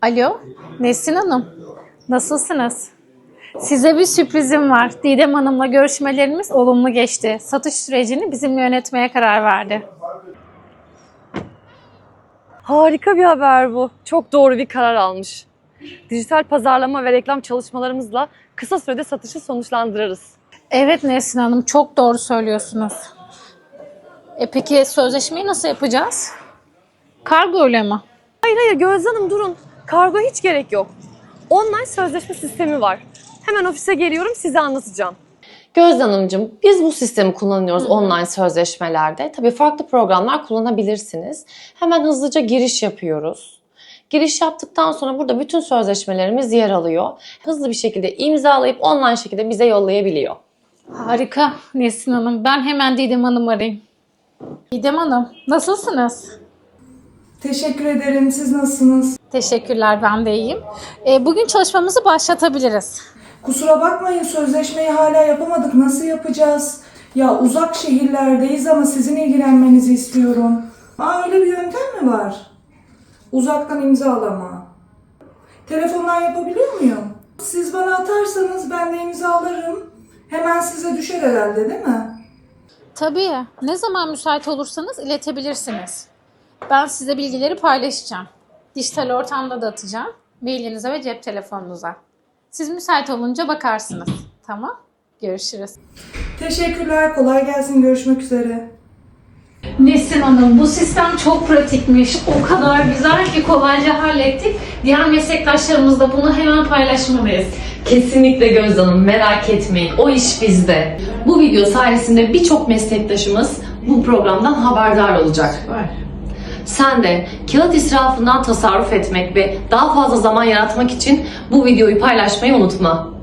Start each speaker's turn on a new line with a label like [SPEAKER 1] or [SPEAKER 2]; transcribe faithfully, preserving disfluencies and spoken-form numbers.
[SPEAKER 1] Alo, Nesrin Hanım. Nasılsınız? Size bir sürprizim var. Didem Hanım'la görüşmelerimiz olumlu geçti. Satış sürecini bizimle yönetmeye karar verdi.
[SPEAKER 2] Harika bir haber bu. Çok doğru bir karar almış. Dijital pazarlama ve reklam çalışmalarımızla kısa sürede satışı sonuçlandırırız.
[SPEAKER 1] Evet Nesrin Hanım, çok doğru söylüyorsunuz. E peki sözleşmeyi nasıl yapacağız? Kargo öyle mi?
[SPEAKER 2] Hayır hayır Gözde Hanım durun. Kargo hiç gerek yok. Online sözleşme sistemi var. Hemen ofise geliyorum, size anlatacağım.
[SPEAKER 3] Gözde Hanımcığım, biz bu sistemi kullanıyoruz online sözleşmelerde. Tabii farklı programlar kullanabilirsiniz. Hemen hızlıca giriş yapıyoruz. Giriş yaptıktan sonra burada bütün sözleşmelerimiz yer alıyor. Hızlı bir şekilde imzalayıp online şekilde bize yollayabiliyor.
[SPEAKER 1] Harika Nesrin Hanım. Ben hemen Didem Hanım arayayım. Didem Hanım, nasılsınız?
[SPEAKER 4] Teşekkür ederim. Siz nasılsınız?
[SPEAKER 1] Teşekkürler, ben de iyiyim. E, bugün çalışmamızı başlatabiliriz.
[SPEAKER 4] Kusura bakmayın, sözleşmeyi hala yapamadık. Nasıl yapacağız? Ya uzak şehirlerdeyiz ama sizin ilgilenmenizi istiyorum. Aa, öyle bir yöntem mi var? Uzaktan imzalama. Telefondan yapabiliyor muyum? Siz bana atarsanız ben de imzalarım. Hemen size düşer herhalde, değil mi?
[SPEAKER 1] Tabii. Ne zaman müsait olursanız iletebilirsiniz. Ben size bilgileri paylaşacağım. Dijital ortamda da atacağım. Mailinize ve cep telefonunuza. Siz müsait olunca bakarsınız. Tamam. Görüşürüz.
[SPEAKER 4] Teşekkürler. Kolay gelsin. Görüşmek üzere.
[SPEAKER 1] Nesrin Hanım, bu sistem çok pratikmiş. O kadar güzel ki kolayca hallettik. Diğer meslektaşlarımız da bunu hemen paylaşmalıyız.
[SPEAKER 5] Kesinlikle Gözde Hanım, merak etmeyin, o iş bizde. Bu video sayesinde birçok meslektaşımız bu programdan haberdar olacak. Sen de kağıt israfından tasarruf etmek ve daha fazla zaman yaratmak için bu videoyu paylaşmayı unutma.